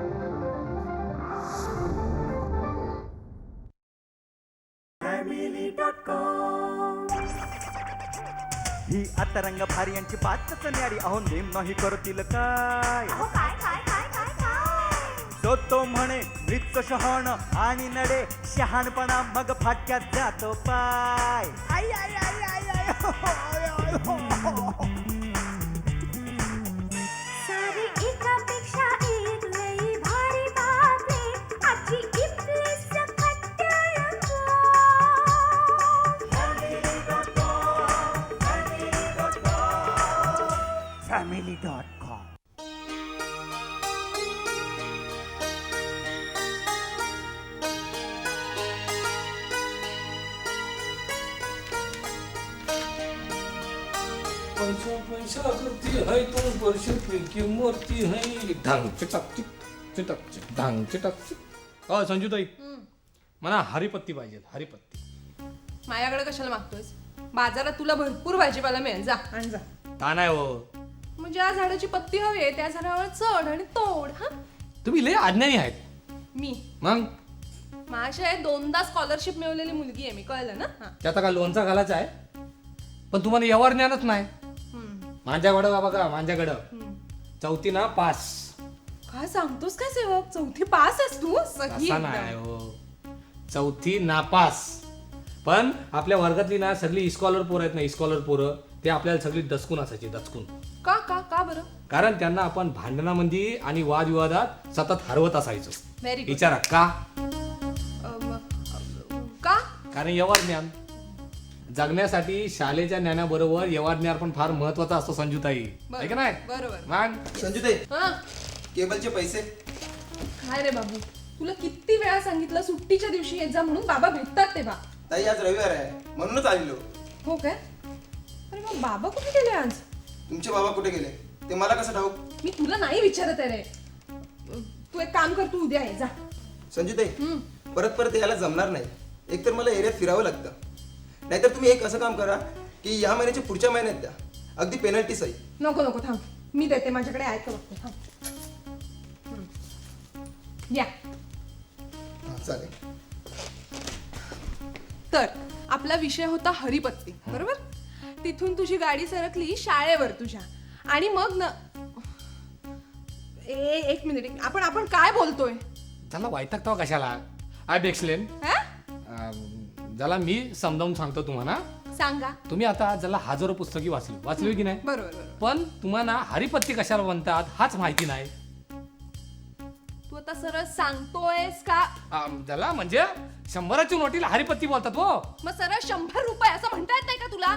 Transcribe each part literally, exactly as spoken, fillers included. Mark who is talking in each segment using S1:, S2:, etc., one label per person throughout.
S1: ही आता रंग भारी यांची बातच न्यारी, अहो नेम नाही करतील काय. तो तो म्हणे मृत शहाण आणि नडे शहाणपणा मग फाटक्यात जातो पाय. आई आई आई आई आई हो, आय, आय, हो, हो.
S2: सारी एकापेक्षा एक लई भारी बातमी आजची इथली सकट टेलिफोन.
S1: Family dot com.
S3: पैसा पैसा करती है तुम वर्ष की मूर्ती है ढंग चिटक चिक चिटक चिक ढंग चिटक चिक. अ संजूताई मला हरिपत्ती पाहिजे. हरिपत्ती
S4: माझ्याकडे कशाला मागतोयस? बाजारात तुला भरपूर भाजीपाला मिळेल, जा आण जा.
S3: ता नाही हो,
S4: मग ज्या झाडाची पत्ती हवी आहे त्या झाडावर चढ आणि तोड. हा
S3: तुम्ही लय अज्ञानी आहेत.
S4: मी
S3: मग
S4: माझ्या दोनदा स्कॉलरशिप मिळवलेली मुलगी आहे मी, कळलं ना? हा.
S3: त्याचा का लोणचा घालायचा आहे, पण तुम्हाला यावर ज्ञानच नाही.
S4: हम्म.
S3: माझ्याकडं बाबा का माझ्याकडं
S4: हम्म.
S3: चौथी ना पास.
S4: काय सांगतोस काय सेवक? चौथी पास आहेस तू? सही
S3: असा
S4: एकदम.
S3: नाही हो, चौथी नापास. पण आपल्या वर्गातली ना सगळी इस्कॉलर पोरं आहेत ना, इस्कॉलर पोरं ते आपल्याला सगळी दचकून असायची, दचकून.
S4: का का का बरं?
S3: कारण त्यांना आपण भांडणामध्ये आणि वादविवादात सतत हरवत असायचो.
S4: Very good.
S3: विचारा का?
S4: का?
S3: कारण व्यवहार ज्ञान जगण्यासाठी शाळेच्या ज्ञानाबरोबर व्यवहार ज्ञान पण फार महत्वाचा असतो संजूताई, आहे का नाही?
S4: बरोबर.
S3: मग
S5: संजूताई,
S4: हा
S5: केबलचे पैसे.
S4: काय रे बाबू, तुला किती वेळा सांगितलं सुट्टीच्या दिवशी येत जा म्हणून? बाबा भेटतात तेव्हा.
S5: ताई आज रविवार आहे म्हणूनच आलेलो.
S4: हो काय? अरे मग बाबा कुठे गेले आज?
S5: तुमचे बाबा कुठे गेले ते मला कसं ठाऊक?
S4: मी तुला नाही विचारत आहे रे. तू एक काम कर, तू उद्या ये जा.
S5: संजूताई,
S4: हम्म.
S5: परत परत यायला जमणार नाही. एकतर मला एरियात फिरावं लागतं, नाहीतर तुम्ही एक असं काम करा की या महिन्याच्या पुढच्या महिन्यात द्या, अगदी पेनल्टी सही.
S4: नको नको थांब, मी देते. माझ्याकडे आहे का बघते. थांब. हम्म. या.
S5: हां चालेल.
S4: तर आपला विषय होता हरिपत्ती, बरोबर? तिथून तुझी गाडी सरकली शाळेवर तुझ्या, आणि मग न ए एक मिनिट, आपण आपण काय बोलतोय?
S3: त्याला वैतागतो कशाला? I explain. ज्याला मी समजावून सांगतो तुम्हाला.
S4: सांगा.
S3: तुम्ही आता ज्याला हजारो पुस्तकी वाचली वाचली की नाही,
S4: बरोबर बरोबर.
S3: पण तुम्हाला हरिपत्ती कशाला म्हणतात हाच माहिती नाही.
S4: तू आता सरळ सांगतोयस का?
S3: अं, ज्याला म्हणजे शंभराची नोटीला हरिपत्ती बोलतात हो.
S4: मग सरळ शंभर रुपये असं म्हणता येत नाही का तुला?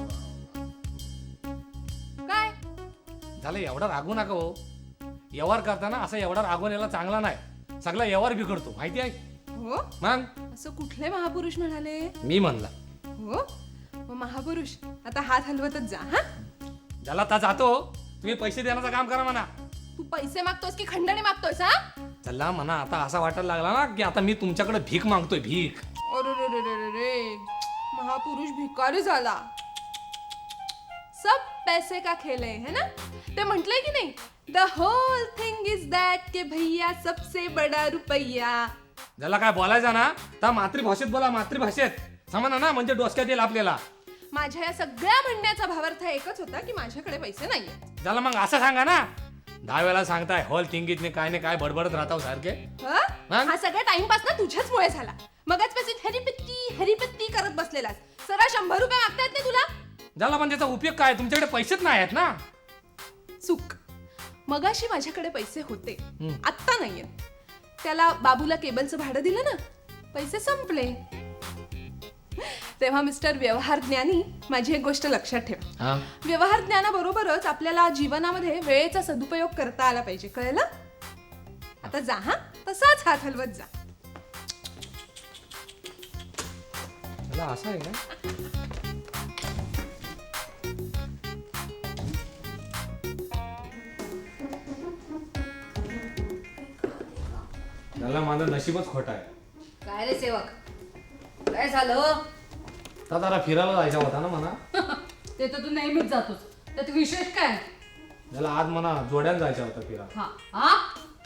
S4: काय
S3: झालं, एवढा रागू नका हो. व्यवहार करताना असं एवढा रागून यायला चांगला नाही, सगळा व्यवहार बिघडतो, माहिती आहे?
S4: हो?
S3: मग
S4: असं कुठले महापुरुष म्हणाले?
S3: मी म्हणला.
S4: हो मग महापुरुष आता हात हलवतच जा. हा,
S3: ज्याला ता जातो तुम्ही पैसे देण्याचं काम करा म्हणा.
S4: तू पैसे मागतोयस की खंडणी मागतोयस? हा,
S3: चला म्हणा, आता असा वाटायला लागला ना की आता मी तुमच्याकडे भीक मागतोय, भीक.
S4: अरे रे रे रे रे रे, महापुरुष भिकारी झाला. सब पैसे का खेल है, है ना? ते म्हटलंय की नाही, the whole thing is that के भैया सबसे बडा रुपया.
S3: ज्याला काय बोलायचं ना तर मातृभाषेत बोला, मातृभाषेत समजा ना, म्हणजे डोसक्यात येईल आपल्याला.
S4: माझ्या या सगळ्या म्हणण्याचा भावार्थ एकच होता की माझ्याकडे पैसे नाहीये.
S3: ज्याला मग असं सांगा ना, दहा वेळा सांगताय होल थिंगीत ने काय ने काय बडबडत राहता सारखे.
S4: हा?
S3: मग?
S4: हा सगळा टाइमपास ना तुझ्याच मुळे झाला. मगाच पैसे हरिपत्ती हरिपत्ती करत बसलेलास. सरळ शंभर रुपये मागतायत नाही तुला?
S3: ज्याला पण त्याचा उपयोग काय, तुमच्याकडे पैसेच नाही आहेत ना.
S4: चूक. मगाशी माझ्याकडे पैसे होते,
S3: हम्म.
S4: आत्ता नाहीयेत. त्याला बाबूला केबलचं भाडं दिलं ना, पैसे संपले. तेव्हा मिस्टर व्यवहार ज्ञानी, माझी एक गोष्ट लक्षात ठेवा.
S3: हा?
S4: व्यवहार ज्ञानाबरोबरच आपल्याला जीवनामध्ये वेळेचा सदुपयोग करता आला पाहिजे, कळलं? आता जा हा, तसाच हात हलवत जा.
S3: त्याला असं आहे का? त्याला माझं नशीबच खोट आहे.
S6: काय रे सेवक, काय झालं?
S3: तर जरा फिरायला जायचा होता ना म्हणा.
S6: ते तर तू नेहमीच जातोस, त्यात विशेष काय?
S3: त्याला आज म्हणा जोड्यान जायचा होता फिरा.
S6: हा हा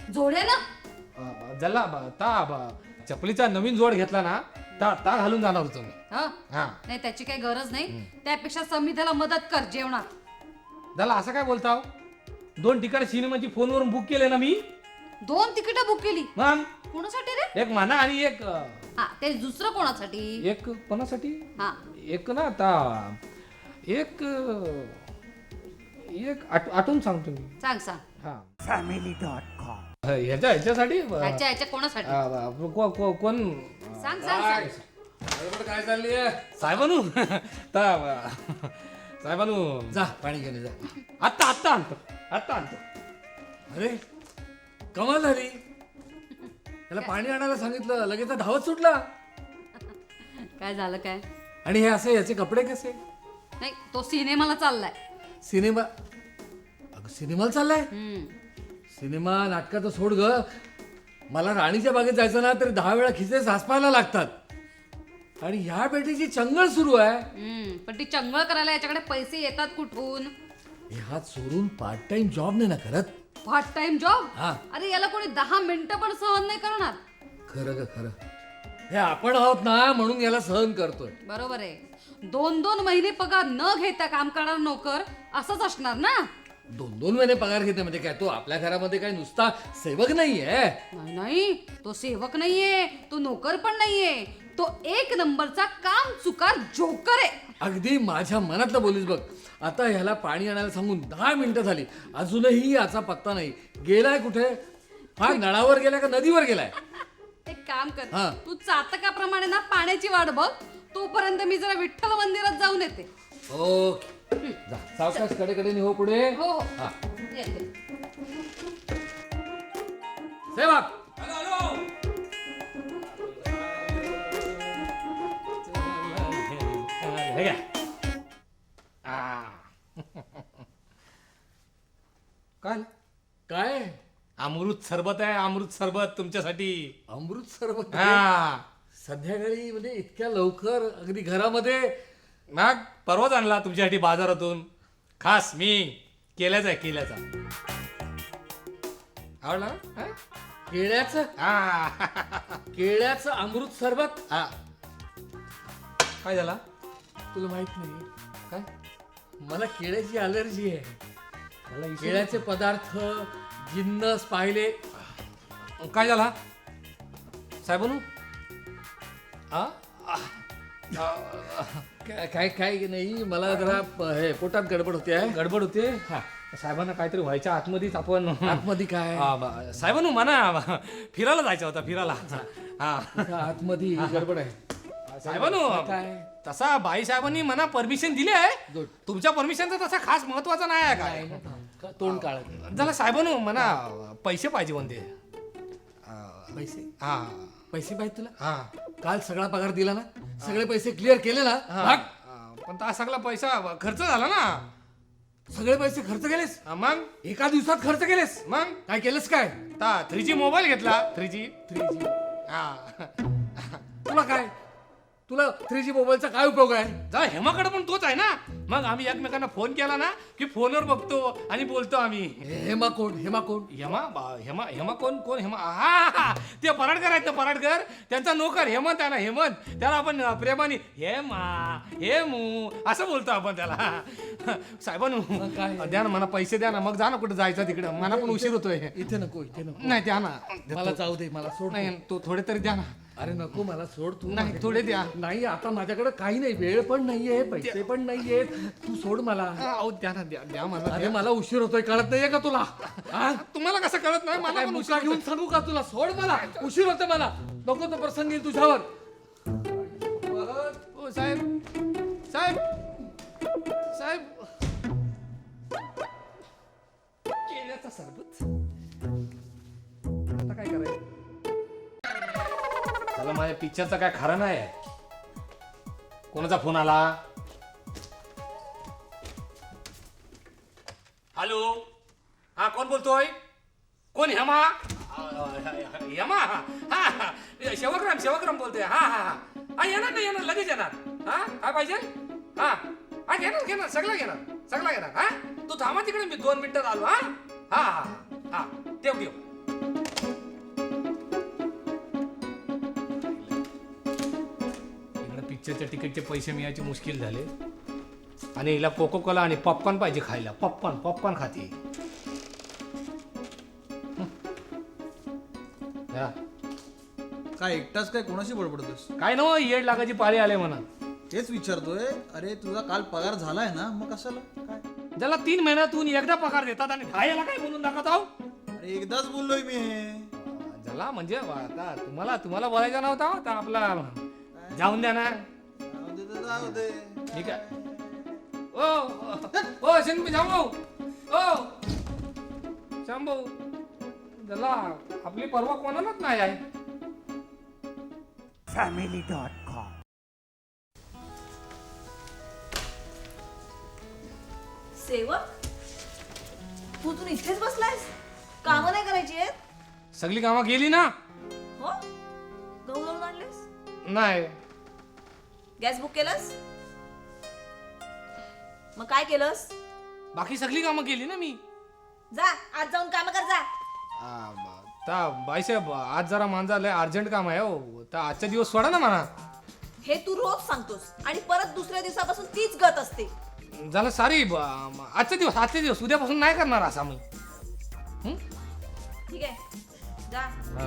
S6: जोड्यानं
S3: जल्ला ब- ता ब- चपलीचा नवीन जोड घेतला ना ता ता घालून जाणार होतो मी
S6: हा
S3: हा
S6: नाही त्याची काही गरज नाही त्यापेक्षा समिधाला मदत कर जेवणात.
S3: झाला असं काय बोलताव दोन ठिकाणी सिनेमाची फोनवरून बुक केले ना मी
S6: दोन तिकीट बुक केली
S3: मग
S6: कोणासाठी रे?
S3: एक माना आणि एक अं,
S6: हा ते दुसरं कोणासाठी?
S3: एक कोणासाठी
S6: हा
S3: एक ना आता एक अं, एक आठ- आठवून सांगतो मी
S6: सांग सांग.
S3: हा
S1: फॅमिली डॉट कॉम
S3: ह्याच्या ह्याच्यासाठी अं,
S6: ह्याच्या ह्याच्या कोणासाठी?
S3: अं, को- को- कोण
S6: सांग सांग सांग.
S3: बरोबर काय चालली साहेबानू ता साहेबानू
S7: जा पाणी घेऊन ये, जा.
S3: आत्ता आत्ता आणतो आत्ता आणतो
S7: अरे कमाल झाली त्याला पाणी आणायला सांगितलं लगेच धावत सुटला.
S6: काय झालं काय?
S7: आणि हे असे याचे कपडे कसे?
S6: नाही तो सिनेमाला चाललाय.
S7: सिनेमा अगं सिनेमाला चाललाय?
S6: हम्म.
S7: सिनेमा नाटकाचं सोड ग. मला राणीच्या बागेत जायचं ना तरी दहा वेळा खिसे सासपायला लागतात. आणि ह्या बेटीची चंगळ सुरू आहे.
S6: हम्म. पण ती चंगळ करायला याच्याकडे पैसे येतात कुठून?
S7: हे हात सोडून पार्ट टाइम जॉब नाही ना करत.
S6: Part time job?
S7: हा.
S6: अरे याला कोणी दहा मिनिटं पण सहन नाही करणार.
S7: खरं ग खरं. हे आपण आहोत ना म्हणून याला सहन करतोय.
S6: बरोबर आहे. दोन दोन महिने पगार न घेता काम करणार नोकर असंच असणार ना.
S7: दोन दोन महिने पगार घेते म्हणजे काय तो आपल्या घरामध्ये काय नुसता सेवक नाहीये.
S6: नाही नाही तो सेवक नाहीये, तो नोकर पण नाहीये, तो एक नंबरचा काम चुकार जोकर आहे.
S7: अगदी माझ्या मनातलं बोलीस बघ. आता ह्याला पाणी आणायला सांगून दहा मिनिटं झाली अजूनही याचा पत्ता नाही. गेलाय कुठे? हा नळावर गेलाय का नदीवर गेलाय?
S6: एक काम कर,
S7: हा.
S6: तू चातकाप्रमाणे ना पाण्याची वाट बघ. तोपर्यंत मी जरा विठ्ठल मंदिरात जाऊन येते.
S7: ओके जा सावकाश कडे हो पुढे.
S6: हो हो
S7: हा.
S6: येते.
S7: सेवक
S3: हे घ्या आ. काय
S7: काय
S3: अमृत सरबत आहे अमृत सरबत तुमच्यासाठी
S7: अमृत सरबत?
S3: हा
S7: संध्याकाळी म्हणजे इतक्या लवकर अगदी घरामध्ये?
S3: मग परवाच आणला तुमच्यासाठी बाजारातून खास मी केल्याचा आहे केल्याचा आवडला ना? हा?
S7: केळ्याचं
S3: हा.
S7: केळ्याचं अमृत सरबत?
S3: हा. काय झाला
S7: तुला माहित नाही काय मला केळ्याची अलर्जी आहे.
S3: मला इशू-
S7: केळ्याचे पदार्थ जिन्नस पाहिले.
S3: काय झाला साहेबानू आ?
S7: काय काय काय नाही मला जरा प- हे पोटात गडबड होते आहे.
S3: गडबड होते साहेबांना काहीतरी व्हायच्या आतमध्येच आपण
S7: आतमध्ये काय?
S3: हा, ब- साहेबानू म्हणा फिरायला जायचं होता फिरायला हा
S7: इथं आतमध्ये गडबड आहे.
S3: साहेबानू
S7: काय?
S3: तसा बाई साहेबांनी म्हणा परमिशन दिली आहे
S7: Good.
S3: तुमच्या परमिशनचा तसा खास महत्वाचा नाही आहे काय
S7: का तोंड काळ
S3: झाला साहेबानू म्हणा पैसे पाहिजे म्हणते
S7: पैसे
S3: हा
S7: पैसे पाहिजे तुला?
S3: हा
S7: काल सगळा पगार दिला ना? सगळे पैसे क्लिअर केले ना?
S3: हा.
S7: भाग.
S3: पण हा सगळा पैसा खर्च झाला ना
S7: सगळे पैसे खर्च केलेस?
S3: हा, मग
S7: एका दिवसात खर्च केलेस?
S3: मग
S7: काय केलंस काय?
S3: थ्री जी मोबाईल घेतला थ्री जी
S7: थ्री जी
S3: हा
S7: तुला काय? तुला थ्री जी मोबाईलचा काय उपयोग आहे?
S3: जा हेमाकडे पण तोच आहे ना मग आम्ही एकमेकांना फोन केला ना की फोनवर बघतो आणि बोलतो आम्ही
S7: हेमा कोण? हेमा कोण?
S3: हेमा बा- हेमा हेमा कोण कोण हेमा हा हा, हा ते पराडकर आहेत ना पराडकर त्यांचा नोकर हेमंत आहे ना हेमंत त्याला आपण प्रेमाने हेमा हेमू असं बोलतो आपण त्याला साहेबानू
S7: काय?
S3: द्या ना मला पैसे द्या ना मग जा ना कुठे जायचं तिकडं मला पण उशीर होतोय
S7: इथे नको इथे नको
S3: नाही द्या ना
S7: मला जाऊ दे मला सोड.
S3: नाही तो थोडे तरी द्या ना
S7: अरे नको मला सोड तू.
S3: नाही थोडे द्या
S7: नाही आता माझ्याकडे काही नाही वेळ पण नाहीये पैसे पण नाहीये. तू सोड मला.
S3: अहो द्या ना द्या द्या मला
S7: अरे
S3: द्या.
S7: मला उशीर होतोय कळत नाहीये का तुला? हा?
S3: तुम्हाला कसं कळत नाही मला
S7: काय
S3: पण
S7: मुका
S3: उशीर
S7: घेऊन सांगू का तुला? सोड मला उशीर होते मला. नको तो प्रसंग येईल तुझ्यावर.
S3: ओ साहेब साहेब साहेब केल्याचा सरबत आता काय करायचं त्याला माझ्या पिक्चरचा काय खरं नाही आहे. कोणाचा फोन आला? हॅलो हा कोण बोलतोय? कोण हेमा? हेमा हा हा शेवकराम शेवकराम बोलतोय हा हा हा हा येणार नाही येणार लगेच येणार हा काय पाहिजे हा हा घेणार घेणार सगळं घेणार सगळं घेणार हा तू थांबा तिकडे मी दोन मिनिटात आलो हा हा हा हा ठेव ठेव पिक्चरच्या तिकीटचे पैसे मिळायचे मुश्किल झाले आणि हिला कोको कोला आणि पॉपकॉर्न पाहिजे खायला. पॉपकॉर्न पॉपकॉर्न खाते. या.
S8: काय एकटाच काय कोणाशी बडबडतोस?
S3: काय ना येड लागायची पाळी आले म्हणा.
S8: तेच विचारतोय. अरे तुझा काल पगार झालाय ना, मग कशाला काय?
S3: ज्याला तीन महिन्यातून एकदा पगार देतात आणि दहा याला काय म्हणून दाखवत आहो.
S8: अरे एकदाच बोललोय मी हे.
S3: ज्याला म्हणजे आता तुम्हाला तुम्हाला बोलायचा नव्हता हो, तर आपला जाऊन द्या ना.
S8: जाऊ दे तर जाऊ दे.
S3: ठीक आहे. ओ ओ शंभू शांभू ओ शांभू ज्याला आपली परवा कोणालाच नाही आहे.
S1: Family dot com.
S9: सेवक तू तू इथेच बसलायस? कामं नाही करायची आहेत?
S3: सगळी कामं केली ना.
S9: हो गहू दळून आणलेस?
S3: नाही.
S9: गॅस बुक केलंस? मग काय केलंस?
S3: बाकी सगळी कामं केली ना मी.
S9: जा आज जाऊन काम कर जा.
S3: आ, ब- ता बाईसाहेब आज जरा माझा लय अर्जंट काम आहे हो. तर आजचा दिवस सोडा ना म्हणा.
S9: हे तू रोज सांगतोस आणि परत दुसऱ्या दिवसापासून तीच गत असते.
S3: झालं सारी ब- आजचा दिवस आजचा दिवस उद्यापासून नाही करणार असा मी. हं?
S9: ठीक आहे जा.
S3: हा.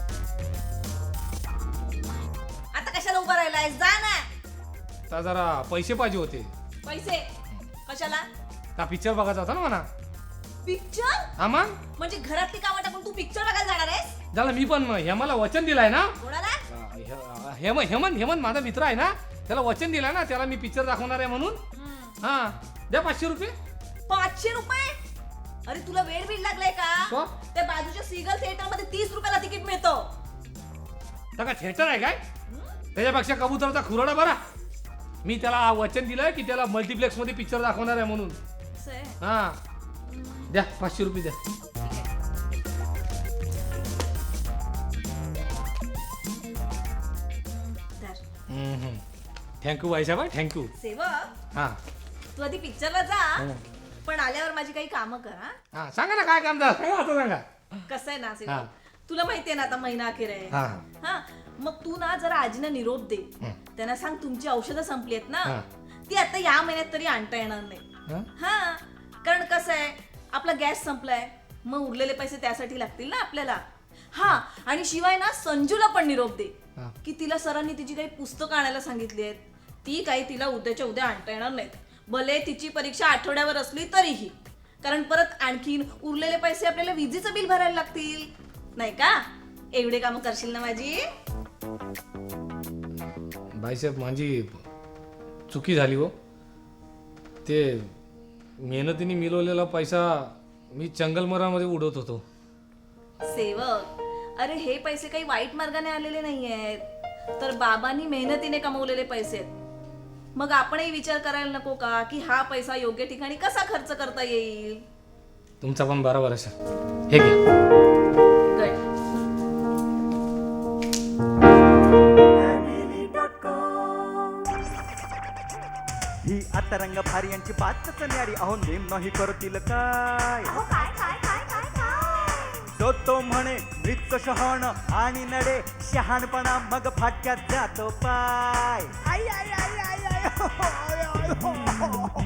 S9: आता कशाला उभा राहिलायस? जा ना.
S3: तर जरा पैसे पाहिजे होते.
S9: पैसे कशाला?
S3: का पिक्चर बघायचा होता ना म्हणा.
S9: पिक्चर?
S3: हा मग
S9: म्हणजे घरातली कामं टाकून तू पिक्चर बघायला जाणार आहेस?
S3: झालं मी पण हेमाला वचन दिलाय ना.
S9: कोणाला?
S3: अ, हे- हेमंत हेमंत हेमंत माझा मित्र आहे ना, त्याला वचन दिलाय ना, त्याला मी पिक्चर दाखवणार आहे म्हणून. हा द्या पाचशे रुपये.
S9: पाचशे रुपये? अरे तुला वेळ बीड लागलाय का?
S3: का?
S9: त्या बाजूच्या सीगल थिएटर मध्ये तीस रुपयाला तिकीट मिळतं.
S3: तर का थिएटर आहे काय? त्याच्यापेक्षा कबुतरचा खुराडा बरा. मी त्याला वचन दिलंय की त्याला मल्टिप्लेक्स मध्ये पिक्चर दाखवणार आहे म्हणून.
S9: असं आहे.
S3: हा द्या पाचशे रुपये द्या.
S9: धर.
S3: थँक्यू बाईसाहेब थँक्यू.
S9: सेवक
S3: हा
S9: तू आधी पिक्चरला जा, पण आल्यावर माझी काही कामं कर हा.
S3: हा सांगा ना काय काम झालं सांगा आता सांगा.
S9: कसं आहे ना
S3: हा.
S9: सेवक, तुला माहितीये ना आता महिना अखेर आहे.
S3: हा.
S9: हा मग तू ना जरा आजीना निरोप दे. त्यांना सांग तुमची औषधं संपली आहेत ना,
S3: हा.
S9: ती आता या महिन्यात तरी आणता येणार नाही.
S3: हा?
S9: हा कारण कसं आहे आपला गॅस संपलाय, मग उरलेले पैसे त्यासाठी लागतील ना आपल्याला. हा आणि शिवाय ना संजूला पण निरोप दे
S3: हा.
S9: की तिला सरांनी तिची काही पुस्तकं आणायला सांगितली आहेत, ती काही तिला उद्याच्या उद्या आणता येणार नाहीत. भले तिची परीक्षा आठवड्यावर असली तरीही, कारण परत आणखीन उरलेले पैसे आपल्याला विजेचं बिल भरायला लागतील नाही का. एवढे कामं करशील ना माझी?
S3: बाईसाहेब माझी चुकी झाली हो. ते मेहनतीने मिळवलेला पैसा मी चंगलमरामध्ये उडवत होतो.
S9: सेवक अरे हे पैसे काही वाईट मार्गाने आलेले नाही आहेत, तर बाबांनी मेहनतीने कमवलेले पैसे आहेत. मग आपणही विचार करायला नको का की हा पैसा योग्य ठिकाणी कसा खर्च करता येईल.
S3: तुमचा पण बरोबर आहे. हे घ्या.
S9: Good.
S1: ही आता रंग भारी यांची बातच न्यारी. अहो नेम नाही करतील काय.
S2: अहो काय काय काय काय काय
S1: तो तो म्हणे मृत शहाण आणि नडे शहाणपणा मग फाटक्यात जातो पाय. आई आई आई आई आई हो, आय, आय, हो, हो.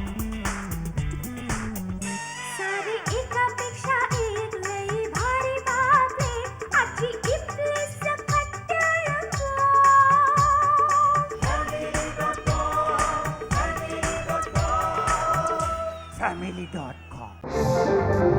S2: सारी एकापेक्षा एक लई भारी बातमी आजची इथलीच खट्याळ
S1: फॅमिली डॉट कॉम.